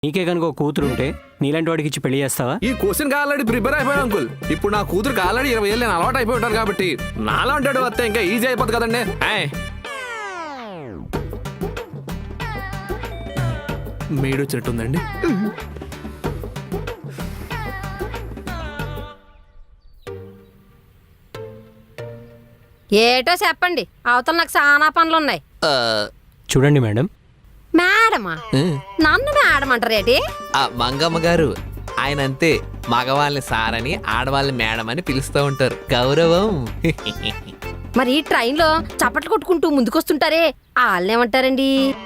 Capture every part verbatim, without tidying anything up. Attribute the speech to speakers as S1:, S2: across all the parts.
S1: నీకే కనుక ఒక కూతురు ఉంటే నీలాంటి వాడికి ఇచ్చి పెళ్లి చేస్తావా?
S2: ఈ క్వశ్చన్ ఆల్రెడీ ప్రిపేర్ అయిపోయాను అంకుల్. ఇప్పుడు నా కూతురుకి ఆల్రెడీ ఇరవై ఏళ్ళు నేను అలవాటు అయిపోయి ఉంటాను కాబట్టి నాలాంటి వస్తే ఇంకా ఈజీ అయిపోతుంది కదండి. మేడు వచ్చినట్టుందండి.
S3: ఏటో చెప్పండి, అవతల నాకు చాలా పనులు ఉన్నాయి.
S1: చూడండి మేడం.
S3: మేడమా? నన్ను మేడం అంటారేటి?
S4: మంగమ్మ గారు ఆయన అంతే, మగవాళ్ళని సారని ఆడవాళ్ళని మేడం అని పిలుస్తూ ఉంటారు, గౌరవం.
S3: మరి ట్రైన్ లో చప్పట్లు కొట్టుకుంటూ ముందుకొస్తుంటారే వాళ్ళేమంటారండి?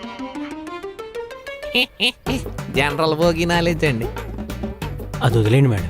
S4: జనరల్ భోగి నాలెడ్జ్ అండి.
S1: అది వదిలేండి మేడం.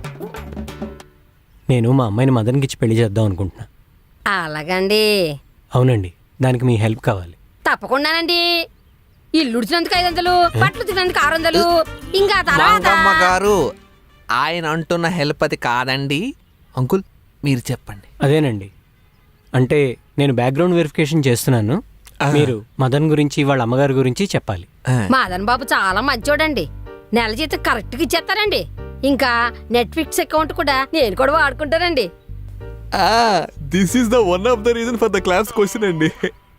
S1: నేను మా అమ్మాయిని మదన్కి ఇచ్చి పెళ్లి చేద్దాం అనుకుంటున్నా.
S3: అలాగండి.
S1: అవునండి, దానికి మీ హెల్ప్ కావాలి.
S3: తప్పకుండానండి. ఇల్లు ఉడిచినందుకు ఐదు వందలు, బట్టలు తినందుకు ఆరు వందలు, ఇంకా తర్వాత
S4: మంగమ్మ గారు ఆయన అంటున్న హెల్ప్ అది కాదండి. అంకుల్ మీరు చెప్పండి.
S1: అదేనండి, అంటే నేను బ్యాక్గ్రౌండ్ వెరిఫికేషన్ చేస్తున్నాను. మీరు మదన్ గురించి వాళ్ళ అమ్మగారి గురించి చెప్పాలి.
S3: మదన్ బాబు చాలా మంచోడండి. నెల జీతం కరెక్ట్ గా ఇచ్చేస్తారండి. ఇంకా నెట్ఫ్లిక్స్ అకౌంట్ కూడా నేను కూడా వాడుకుంటానండి.
S2: This is the one of the reason for the class question అండి.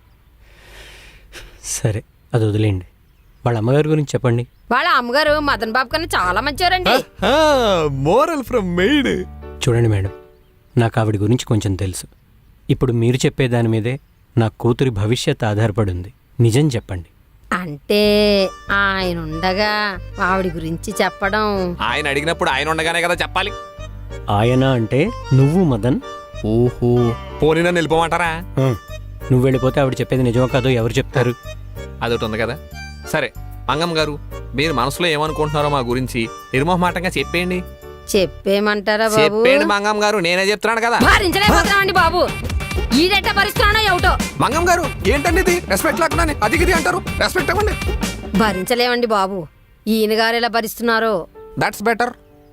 S1: సరే, అది వదిలేండి. వాళ్ళ అమ్మగారి గురించి చెప్పండి.
S3: వాళ్ళ అమ్మగారు మదన్ బాబు కన్నా చాలా మంచివారండి.
S2: Moral from maid.
S1: చూడండి మేడం, నాకు ఆవిడ గురించి కొంచెం తెలుసు. ఇప్పుడు మీరు చెప్పే దాని మీదే నా కూతురి భవిష్యత్ ఆధారపడి ఉంది. నిజం చెప్పండి.
S3: అంటే ఆయన ఉండగా ఆవిడ గురించి చెప్పడం.
S4: ఆయన అడిగినప్పుడు ఆయన ఉండగానే కదా చెప్పాలి.
S1: ఆయన అంటే నువ్వు మదన్.
S4: ఓహో, పోనీ నన్ను వెళ్ళిపోమంటారా?
S1: ఆ, నువ్వు వెళ్ళిపోతే ఆవిడ చెప్పేది నిజమో కాదో ఎవరు చెప్తారు?
S4: అదొకటి ఉంది కదా. సరే మంగమ్మ గారు, మీరు మనసులో ఏమనుకుంటున్నారో మా గురించి నిర్మోహమాటంగా చెప్పేయండి.
S3: చెప్పేమంటారా బాబు?
S4: చెప్పేయండి మంగమ్మ గారు, నేనే చెప్తున్నాను కదా.
S3: భరించలేకపోతున్నామండి బాబు. ఈడెట్ట భరిస్తున్నానో ఏమిటో.
S2: మంగమ్మ గారు ఏంటండి ఇది? రెస్పెక్ట్ లేకుండా అది ఇది అంటారు. రెస్పెక్ట్ ఇవ్వండి.
S3: భరించలేమండి బాబు. ఈయన గారు ఎలా భరిస్తున్నారో.
S2: That's better.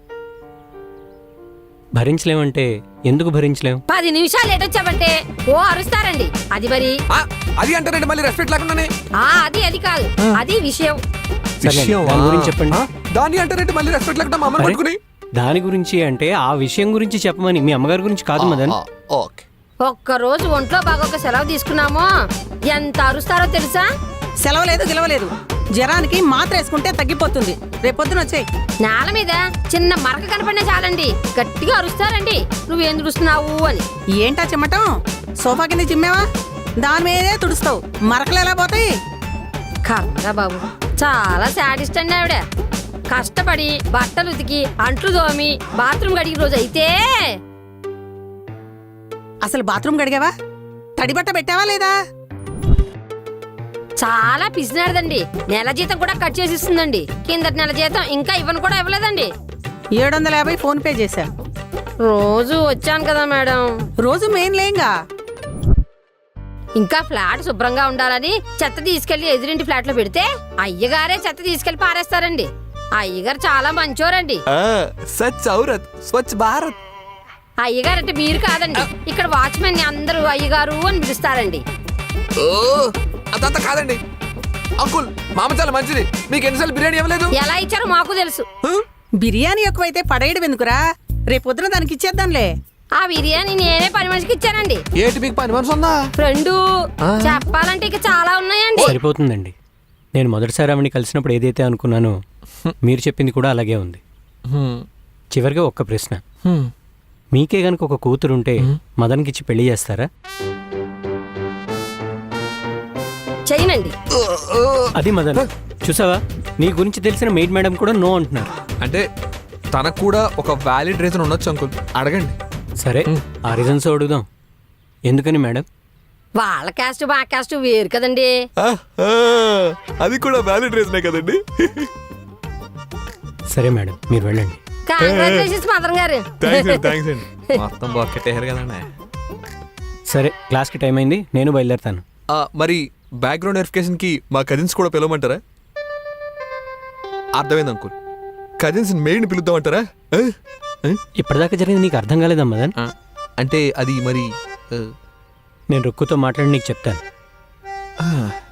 S1: భరించలేమంటే ఎందుకు భరించలేం?
S3: పది నిమిషాలు ఏటొచ్చామంటే ఓ అరుస్తారండి. అది మరి
S2: అది అంటారండి మళ్ళీ రెస్పెక్ట్ లేకుండానే.
S3: ఆ అది అది కాదు, అది విషయం.
S1: సరే, దాని గురించి చెప్పండి.
S2: దాన్ని అంటారంటే మళ్ళీ రెస్పెక్ట్ లేకుండా మమ్మల్ని
S1: అరే,
S2: పట్టుకుని.
S1: దాని గురించి అంటే ఆ విషయం గురించి చెప్పమని, మీ అమ్మగారి గురించి కాదు మదన్.
S4: ఓకే,
S3: ఒక్క రోజు ఒంట్లో బాగొక సెలవు తీసుకున్నామో ఎంత అరుస్తారో తెలుసా?
S5: సెలవు లేదు గిలవలేదు, జ్వరానికి మాత్ర వేసుకుంటే తగ్గిపోతుంది. రేపొద్దున వచ్చేయి.
S3: నేల మీద చిన్న మరక కనపడినా చాలండి గట్టిగా అరుస్తారండి, నువ్వేం తుడుస్తున్నావు అని.
S5: ఏంటా చిమ్మటం? సోఫా కింద చిమ్మేవా? దాని మీదే తుడుస్తావు, మరకలు ఎలా పోతాయి?
S3: కర్మరా బాబు, చాలా సాడిస్ట్ అండి ఆవిడ. కష్టపడి బట్టలు ఉతికి అంట్లు దోమి బాత్రూమ్ గడికి రోజు అయితే.
S5: అసలు బాత్రూమ్ గడిగావా? తడి బట్ట పెట్టావా లేదా?
S3: చాలా పిసినాడదండి. నెల జీతం కూడా కట్ చేసి ఇస్తుందండి. కిందటి నెల జీతం ఇంకా ఇవ్వను కూడా ఇవ్వలేదండి.
S5: ఏడు వందల యాభై ఫోన్ పే చేశా.
S3: రోజు వచ్చాను కదా మేడం.
S5: రోజు మెయిన్ లేంగా.
S3: ఇంకా ఫ్లాట్ శుభ్రంగా ఉండాలని చెత్త తీసుకెళ్లి ఎదురింటి ఫ్లాట్ లో పెడితే అయ్యగారే చెత్త తీసుకెళ్లి పారేస్తారండి. అయ్యగారు చాలా మంచోరండి.
S2: సచ్ ఔరత్ స్వచ్ఛ భారత్.
S3: అయ్యగారంటే మీరు కాదండి, ఇక్కడ వాచ్మెన్ ని అందరూ అయ్యగారు అని పిలుస్తారండి.
S2: ఓ అదంతా కాదండి అంకుల్, మామ చాలా మంచిది. మీకు ఎన్నిసార్లు బిర్యానీ ఇవ్వలేదు?
S3: ఎలా ఇచ్చారో మాకు తెలుసు.
S5: బిర్యానీ ఎక్కువైతే పడేయడం ఎందుకురా? రేపొద్దున దానికి ఇచ్చేద్దాంలే.
S3: ఆ బిర్యానీ నేనే పని మనిషికి ఇచ్చానండి.
S2: ఏంటి మీకు పని మనసు ఉందా?
S3: ఫ్రెండు చెప్పాలంటే ఇక చాలా ఉన్నాయండి.
S1: సరిపోతుందండి. నేను మొదటిసారి ఆవిడని కలిసినప్పుడు ఏదైతే అనుకున్నానో మీరు చెప్పింది కూడా అలాగే ఉంది. చివరిగా ఒక్క ప్రశ్న, మీకే గనుక ఒక కూతురుంటే మదన్కి ఇచ్చి పెళ్లి చేస్తారా?
S3: చెయ్యనండి.
S1: అది మదన్, చూసావా, నీ గురించి తెలిసిన మెయిడ్ మేడం కూడా నో అంటున్నారు.
S2: అంటే తనకు కూడా ఒక వ్యాలిడ్ రీజన్ ఉండొచ్చు అంకుల్, అడగండి.
S1: సరే, ఆ రీజన్స్ అడుగుదాం. ఎందుకని మేడం?
S3: వాళ్ళ క్యాస్ట్ మా క్యాస్ట్ వేరు కదండి.
S2: అది కూడా వ్యాలిడ్ రీజనే కదండి.
S1: సరే మేడం, మీరు వెళ్ళండి.
S3: కంగ్రాచులేషన్స్ మదన్ గారు.
S4: మొత్తం బొక్కెట్టేశారు కదండి.
S1: సరే, క్లాస్కి టైం అయింది, నేను బయలుదేరుతాను.
S2: మరి బ్యాక్గ్రౌండ్ వెరిఫికేషన్ కి మా కజిన్స్ కూడా పిలవమంటారా? అర్థమైంది అంకుల్, కజిన్స్ మెయిన్ పిలుద్దామంటారా?
S1: ఇప్పటిదాకా జరిగింది నీకు అర్థం కాలేదా మదన్?
S2: అంటే అది మరి
S1: నేను రుక్కుతో మాట్లాడి నీకు చెప్తాను.